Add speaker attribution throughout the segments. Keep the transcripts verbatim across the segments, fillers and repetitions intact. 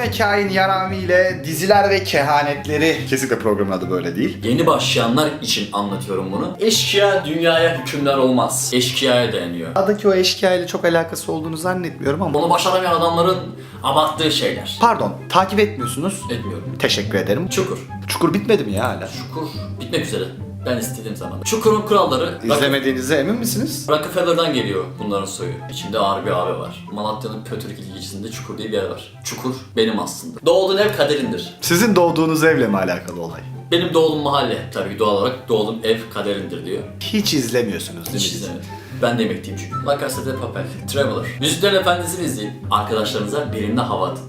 Speaker 1: ve Kain Yarami ile diziler ve kehanetleri. Kesinlikle programın adı böyle değil.
Speaker 2: Yeni başlayanlar için anlatıyorum bunu. Eşkıya dünyaya hükümdar olmaz. Eşkıyaya dayanıyor.
Speaker 1: Adaki o eşkıya ile çok alakası olduğunu zannetmiyorum ama...
Speaker 2: Onu başaramayan adamların abarttığı şeyler.
Speaker 1: Pardon, takip etmiyorsunuz.
Speaker 2: Etmiyorum.
Speaker 1: Teşekkür ederim.
Speaker 2: Çukur.
Speaker 1: Çukur bitmedi mi ya hala?
Speaker 2: Çukur bitmek üzere. Ben istediğim zaman. Çukur'un kuralları...
Speaker 1: İzlemediğinize emin misiniz?
Speaker 2: Rockefeller'dan geliyor bunların soyu. İçinde ağır bir abi var. Malatya'nın Pötürk ilçesinde Çukur diye bir yer var. Çukur benim aslında. Doğduğun ev kaderindir.
Speaker 1: Sizin doğduğunuz evle mi alakalı olay?
Speaker 2: Benim doğduğum mahalle tabii doğal olarak doğduğum ev kaderindir diyor.
Speaker 1: Hiç izlemiyorsunuz değil mi?
Speaker 2: Hiç izlemedim. Ben de emekliyim çünkü. La Casa de Papel, Traveler. Yüzüklerin Efendisi'ni izleyin. Arkadaşlarınıza benimle hava atın.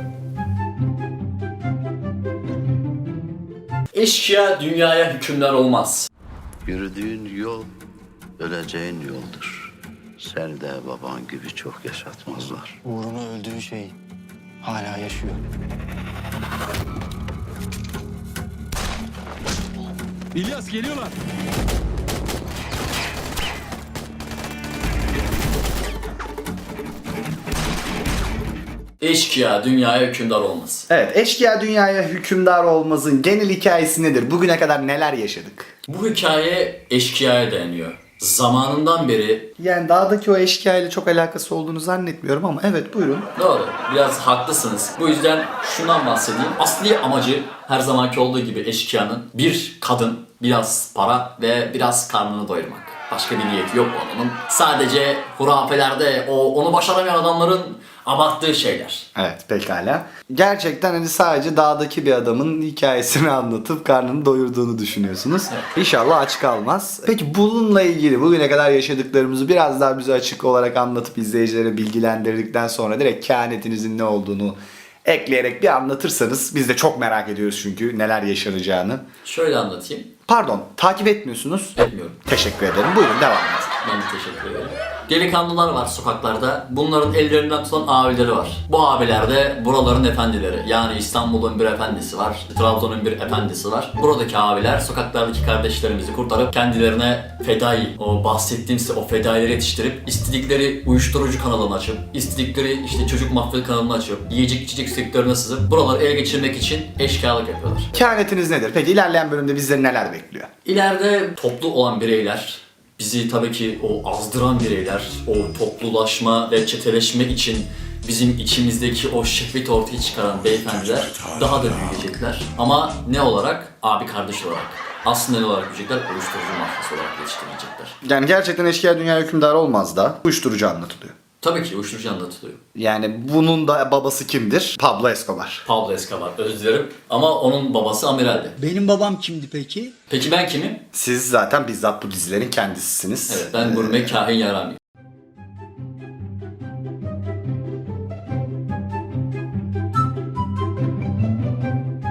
Speaker 2: Eşkıya dünyaya hükümdar olmaz.
Speaker 3: Yürüdüğün yol öleceğin yoldur. Seni de baban gibi çok yaşatmazlar.
Speaker 4: Uğruna öldüğü şey hala yaşıyor.
Speaker 5: İlyas geliyorlar.
Speaker 2: Eşkıya dünyaya hükümdar olmaz.
Speaker 1: Evet, eşkıya dünyaya hükümdar olmazın genel hikayesi nedir? Bugüne kadar neler yaşadık?
Speaker 2: Bu hikaye eşkıyaya dayanıyor. Zamanından beri
Speaker 1: Yani dağdaki o eşkıya ile çok alakası olduğunu zannetmiyorum ama evet buyurun.
Speaker 2: doğru, biraz haklısınız. Bu yüzden şundan bahsedeyim. Asli amacı her zamanki olduğu gibi eşkıyanın bir kadın, biraz para ve biraz karnını doyurmak. Başka bir niyeti yok onun. Sadece hurafelerde o onu başaramayan adamların abarttığı şeyler.
Speaker 1: Evet, pekala. Gerçekten hani sadece dağdaki bir adamın hikayesini anlatıp karnını doyurduğunu düşünüyorsunuz.
Speaker 2: Evet.
Speaker 1: İnşallah aç kalmaz. Peki bununla ilgili bugüne kadar yaşadıklarımızı biraz daha bize açık olarak anlatıp izleyicilere bilgilendirdikten sonra direkt kehanetinizin ne olduğunu ekleyerek bir anlatırsanız biz de çok merak ediyoruz çünkü neler yaşanacağını.
Speaker 2: Şöyle anlatayım.
Speaker 1: Pardon, takip etmiyorsunuz.
Speaker 2: Etmiyorum.
Speaker 1: Teşekkür ederim. Buyurun devam edin.
Speaker 2: Ben de teşekkür ederim. Delikanlılar var sokaklarda. Bunların ellerinden tutan abileri var. Bu abiler de buraların efendileri. Yani İstanbul'un bir efendisi var. Trabzon'un bir efendisi var. Buradaki abiler sokaklardaki kardeşlerimizi kurtarıp kendilerine fedai, o bahsettiğim size o fedaileri yetiştirip istedikleri uyuşturucu kanalını açıp, istedikleri işte çocuk mafya kanalını açıp, yiyecek içecek sektörüne sızıp buraları ele geçirmek için eşkıyalık yapıyorlar.
Speaker 1: Kehanetiniz nedir? Peki ilerleyen bölümde bizleri neler bekliyor?
Speaker 2: İleride toplu olan bireyler, bizi tabii ki o azdıran bireyler, o toplulaşma ve çeteleşme için bizim içimizdeki o şehveti ortaya çıkaran beyefendiler daha da büyüyecekler. Ama ne olarak? Abi kardeş olarak. Aslında ne olarak büyüyecekler? Uyuşturucu mafyası olarak yetiştirilecekler.
Speaker 1: Yani gerçekten eşkıya dünya hükümdar olmaz da uyuşturucu anlatılıyor.
Speaker 2: Tabii ki uyuşturucu anlatılıyor.
Speaker 1: Yani bunun da babası kimdir? Pablo Escobar.
Speaker 2: Pablo Escobar, özür dilerim. Ama onun babası amiraldi.
Speaker 4: Benim babam kimdi peki?
Speaker 2: Peki ben kimim?
Speaker 1: Siz zaten bizzat bu dizilerin kendisisiniz.
Speaker 2: Evet, ben gurme kahin Yarami.